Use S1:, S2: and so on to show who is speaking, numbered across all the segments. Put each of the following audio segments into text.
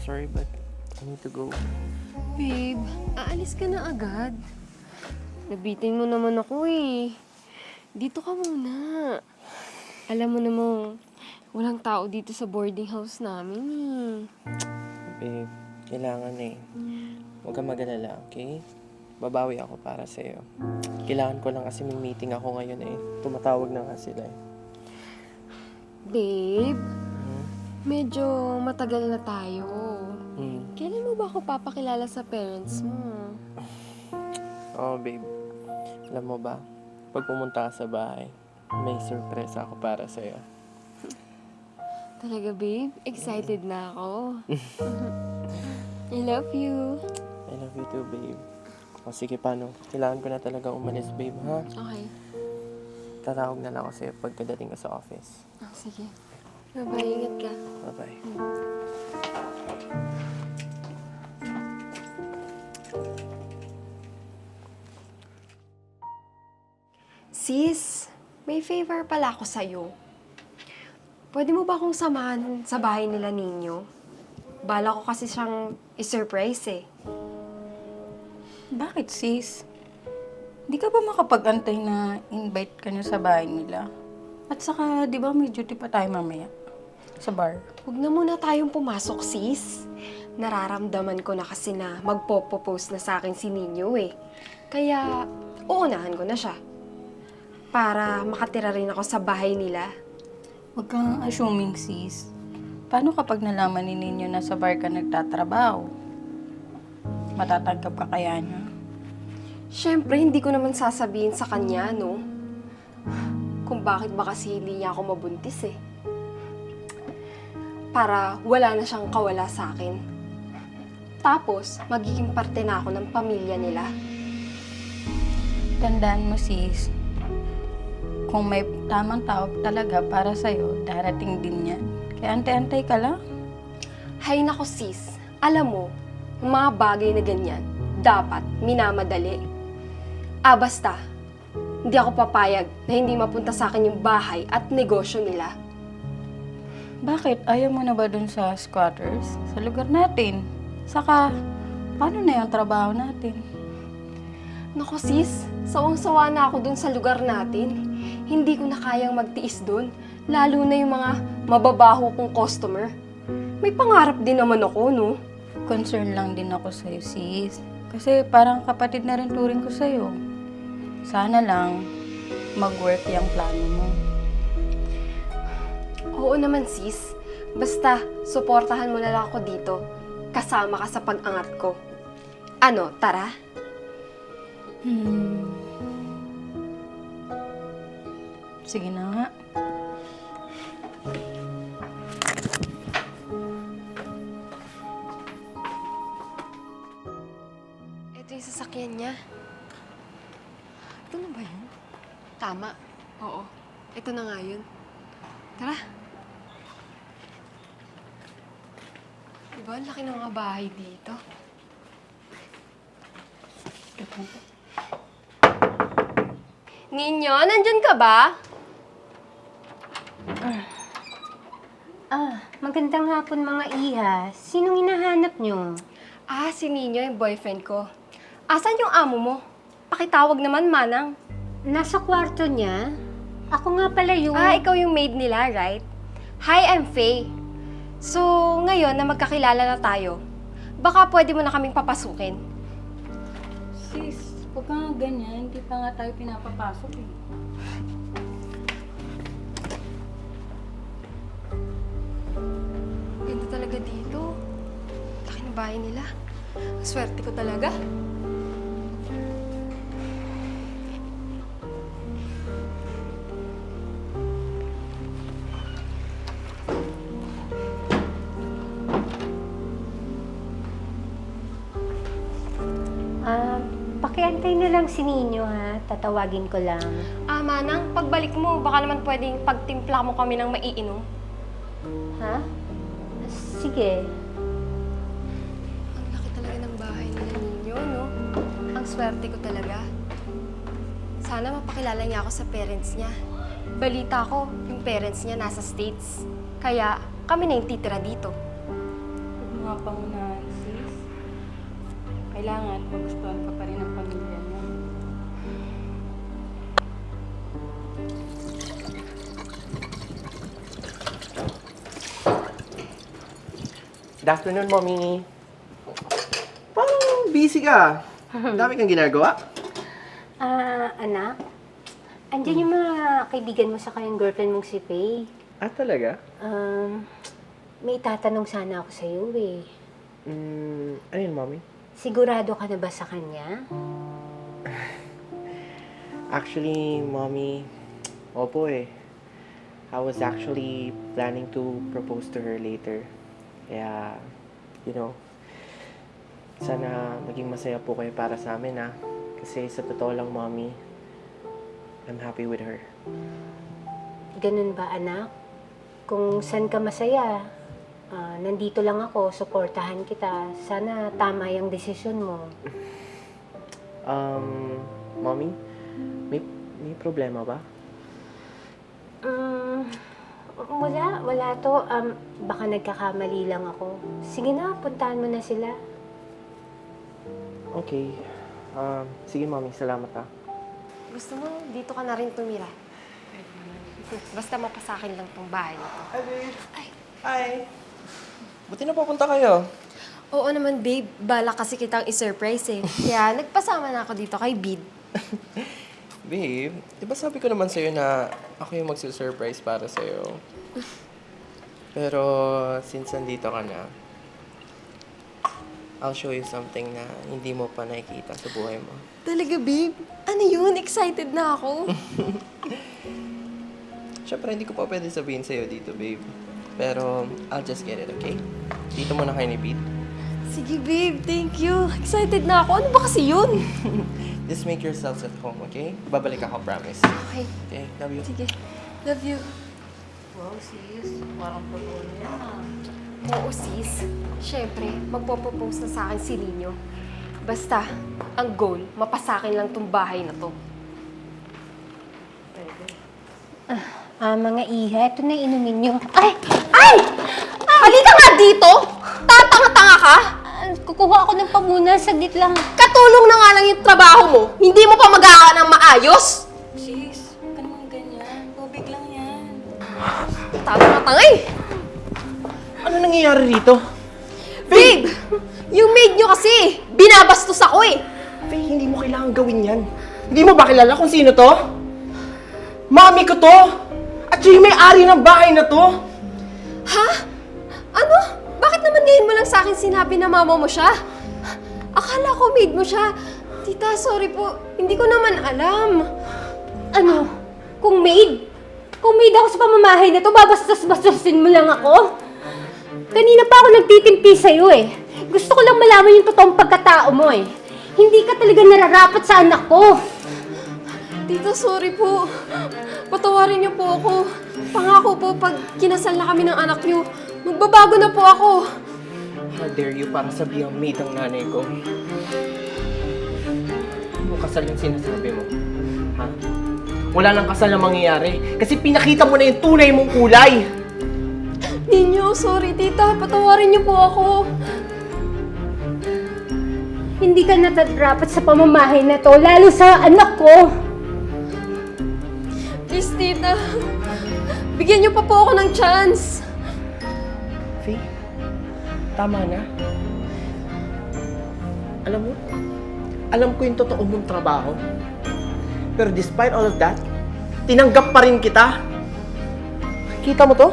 S1: sorry but I need to go.
S2: Babe, aalis ka na agad. Nabitin mo naman ako eh. Dito ka muna. Alam mo namang walang tao dito sa boarding house namin eh.
S1: Babe, kailangan eh. Huwag kang mag-alala, okay? Babawi ako para sa'yo. Kailangan ko lang kasi may meeting ako ngayon eh. Tumatawag na nga sila eh.
S2: Babe, medyo matagal na tayo. Kailan mo ba ako papakilala sa parents mo?
S1: Oh, babe. Alam mo ba, pag pumunta ka sa bahay, may surprise ako para sa'yo.
S2: Talaga, babe? Excited na ako. I love you.
S1: I love you too, babe. O sige, paano? Kailangan ko na talaga umalis, babe, ha?
S2: Okay.
S1: Tatawag na lang ako sa'yo pagkadating ko sa office.
S2: Sige. Bye-bye. Ingat ka.
S1: Bye-bye.
S2: Sis, may favor pala ako sa'yo. Pwede mo ba akong samahan sa bahay nila ninyo? Bala ko kasi siyang i-surprise eh.
S3: Bakit, sis? Hindi ka ba makapag-antay na invite ka niya sa bahay nila? At saka, di ba may duty pa tayo mamaya? Sa bar.
S2: Huwag na muna tayong pumasok, sis. Nararamdaman ko na kasi na magpo-propose na sa akin si Ninyo eh. Kaya, uunahan ko na siya. Para makatira rin ako sa bahay nila.
S3: Huwag kang assuming, sis. Paano kapag nalaman ni Ninyo na sa bar ka nagtatrabaho? Matatanggap ka kaya niya?
S2: Siyempre, hindi ko naman sasabihin sa kanya, no? Kung bakit ba kasi hindi niya ako mabuntis eh. Para wala na siyang kawala sa akin. Tapos, magiging parte na ako ng pamilya nila.
S3: Tandaan mo, sis. Kung may tamang tao talaga para sa'yo, darating din yan. Kaya antay-antay ka lang.
S2: Hay nako sis, alam mo, yung mga bagay na ganyan, dapat minamadali. Basta, hindi ako papayag na hindi mapunta sa akin yung bahay at negosyo nila.
S3: Bakit? Ayaw mo na ba dun sa squatters? Sa lugar natin? Saka, paano na yung trabaho natin?
S2: Nako sis, sawang-sawa na ako dun sa lugar natin. Hindi ko na kayang magtiis dun, lalo na yung mga mababaho kong customer. May pangarap din naman ako, no?
S3: Concern lang din ako sa'yo, sis. Kasi parang kapatid na rin turing ko sa'yo. Sana lang mag-work yung plano mo.
S2: Oo naman sis, basta suportahan mo na lang ako dito. Kasama ka sa pag-angat ko. Ano, tara?
S3: Sige na nga.
S2: Ito yung sasakyan niya. Ito na ba yun? Tama. Oo. Ito na nga yun. Tara. Diba, ang laki ng mga bahay dito. Ninyo, nandyan ka ba?
S4: Magandang hapon mga iha. Sinong hinahanap nyo?
S2: Si Ninyo, yung boyfriend ko. Asan yung amo mo? Pakitawag naman, Manang.
S4: Nasa kwarto niya? Ako nga pala yung...
S2: Ikaw yung maid nila, right? Hi, I'm Faye. So, ngayon na magkakilala na tayo, baka pwede mo na kaming papasukin.
S3: Sis, huwag ka nga ganyan. Hindi pa nga tayo pinapapasok eh.
S2: Ganda talaga dito. Laki ng bahay nila. Ang swerte ko talaga.
S4: Pakiantay na lang si Ninyo ha. Tatawagin ko lang.
S2: Manang, pagbalik mo, baka naman pwedeng pagtimpla mo kami ng maiinom.
S4: Ha? Sige.
S2: Ang laki talaga ng bahay nila ninyo, no? Ang swerte ko talaga. Sana mapakilala niya ako sa parents niya. Balita ko, yung parents niya nasa States. Kaya kami na yung titira dito.
S3: mga pangunahan, sis. Kailangan magustuhan ka pa rin ng pamilya mo.
S1: Good afternoon, Mommy. Parang busy ka. Dami kang ginagawa.
S4: Anak, andyan yung mga kaibigan mo sa kayang girlfriend mong si Faye.
S1: Ah, talaga?
S4: May tatanong sana ako sa iyo eh.
S1: Ano yun, Mommy?
S4: Sigurado ka na ba sa kanya?
S1: Actually, Mommy, opo eh. I was actually planning to propose to her later. Kaya, sana maging masaya po kayo para sa amin, ha? Kasi sa totoo lang, Mommy, I'm happy with her.
S4: Ganun ba, anak? Kung saan ka masaya, nandito lang ako, suportahan kita. Sana tama yung desisyon mo.
S1: Mommy, may problema ba?
S4: Wala to. Baka nagkakamali lang ako. Sige na, puntahan mo na sila.
S1: Okay. Sige, Mommy, salamat, ha?
S2: Gusto mo, dito ka na rin tumira. Basta mapasakin lang tong bahay na to.
S1: Hi, babe. Hi. Buti na papunta kayo.
S2: Oo naman, babe. Bala kasi kitang i-surprise eh. Kaya nagpasama na ako dito kay Bid.
S1: Babe, di ba sabi ko naman sa'yo na ako yung magsusurprise para sa'yo? Pero since nandito ka na, I'll show you something na hindi mo pa nakikita sa buhay mo.
S2: Talaga, babe? Ano yun? Excited na ako.
S1: Siyempre, hindi ko pa pwede sabihin sa'yo dito, babe. Pero I'll just get it, okay? Dito muna kayo ni Pete.
S2: Sige, babe. Thank you. Excited na ako. Ano ba kasi yun?
S1: Just make yourselves at home, okay? Babalik ako, promise.
S2: Okay.
S1: Okay, love you.
S2: Sige. Love you.
S3: Wow, sis. Parang pag-uwi na.
S2: Oo, sis. Siyempre, magpo-propose na sa akin si Nino. Basta, ang goal, mapasakin lang tong bahay na to.
S4: Mga iha, ito na inumin nyo.
S2: Ay! Halika nga dito! Tatanga-tanga ka!
S4: Kukuha ako ng pamunan, saglit lang.
S2: Katulong na nga lang yung trabaho mo. Hindi mo pa magawa ng maayos.
S3: Sis, huwag ka naman ganyan. Tubig lang yan.
S2: Tatanga-tanga eh!
S1: Ano nangyayari rito?
S2: Babe! Yung maid nyo kasi, binabastos ako eh.
S1: Faye, hindi mo kailangan gawin yan. Hindi mo ba kilala kung sino to? Mami ko to! At siya yung may-ari ng bahay na to!
S2: Ha? Ano? Bakit naman ngayon mo lang sa akin sinabi na mama mo siya? Akala ko maid mo siya. Tita, sorry po. Hindi ko naman alam.
S4: Ano? Kung maid? Kung maid ako sa pamamahay na to, babastos-bastosin mo lang ako? Kanina pa ako nagtitimpi sa'yo eh. Gusto ko lang malaman yung totoong pagkatao mo eh. Hindi ka talaga nararapat sa anak ko.
S2: Tita, sorry po. Patawarin niyo po ako. Pangako po, pag kinasal na kami ng anak niyo, magbabago na po ako.
S1: How dare you para sabihan maid ang nanay ko? Ano kasal yung sinasabi mo? Ha? Wala nang kasal na mangyayari kasi pinakita mo na yung tunay mong kulay!
S2: Ninyo, sorry tita. Patawarin niyo po ako.
S4: Hindi ka nararapat sa pamamahay na to, lalo sa anak ko.
S2: Please, tita. Bigyan niyo pa po ako ng chance.
S1: Faye, tama na. Alam ko yung totoo mong trabaho. Pero despite all of that, tinanggap pa rin kita. Kita mo to?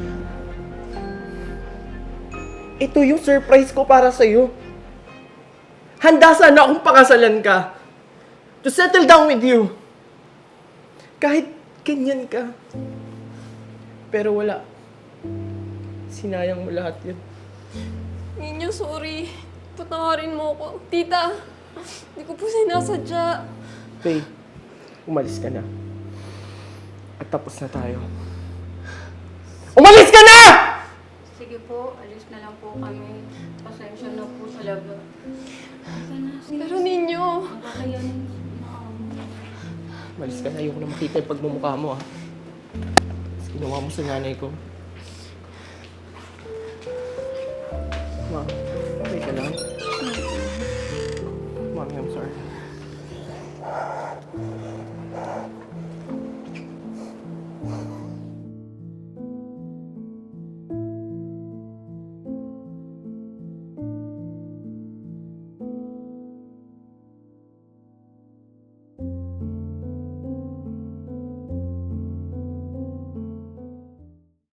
S1: Ito yung surprise ko para sa'yo. Handa sana akong pakasalan ka. To settle down with you. Kahit ganyan ka. Pero wala. Sinayang mo lahat yun.
S2: Ninyo, sorry. Patawarin mo ako. Tita, hindi ko po sinasadya.
S1: Faye, umalis ka na. At tapos na tayo. Umalis ka na!
S3: Sige po, alis na lang po kami. Pasensya na po talaga.
S2: Pero ninyo,
S3: Kakayanin.
S1: Umalis ka na. Ayoko na makita yung pagmumukha mo, ha. Tapos ginawa mo sa nanay ko. Ma, okay ka lang? Mommy, I'm sorry.